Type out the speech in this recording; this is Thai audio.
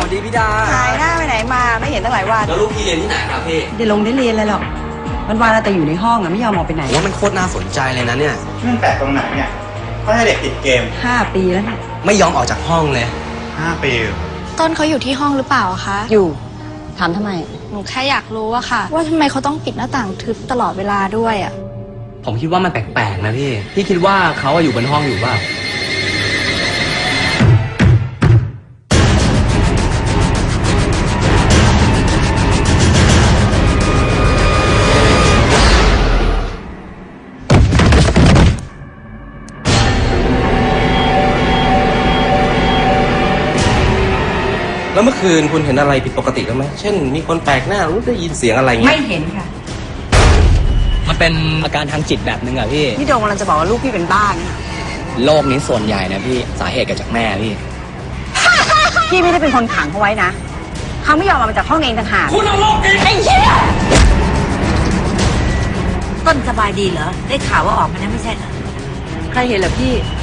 วัสดีพี่ดาหายหน้าไปไหนมาไม่เห็นตั้งหลายวันแล้วลูกพี่เรียนที่ไหนครับพี่ได้เรียนอะไรหรอกวันๆแต่อยู่ในห้องอะไม่ยอมออกไปไหนว่ามันโคตรน่าสนใจเลยนะเนี่ยมันแปลกตรงไหนเนี่ยเขาให้เด็กติดเกม 5 ปีแล้วเนี่ยไม่ยอมออกจากห้องเลย 5 ปีต้นเขาอยู่ที่ห้องหรือเปล่าคะอยู่ถามทำไมหนูแค่อยากรู้อะค่ะว่าทำไมเขาต้องปิดหน้าต่างทึบตลอดเวลาด้วยอะผมคิดว่ามันแปลกๆนะพี่คิดว่าเขาอยู่บนห้องอยู่เปล่าแล้วเมื่อคืนคุณเห็นอะไรผิดปกติไหมเช่นมีคนแปลกหน้ารู้ได้ยินเสียงอะไรเงี้ยไม่เห็นค่ะมันเป็นอาการทางจิตแบบนึงอะพี่โดงกำลังจะบอกว่าลูกพี่เป็นบ้าเนี่ยโรคนี้ส่วนใหญ่นะพี่สาเหตุเกิดจากแม่พี่พี่ไม่ได้เป็นคนขังเขาไว้นะเขาไม่ยอมออกมาจากห้องเองต่างหากคุณเอาโรคเองไอ้เหี้ยต้นสบายดีเหรอได้ข่าวว่าออกมาแล้วไม่ใช่เหรอใครเห็นเหรอพี่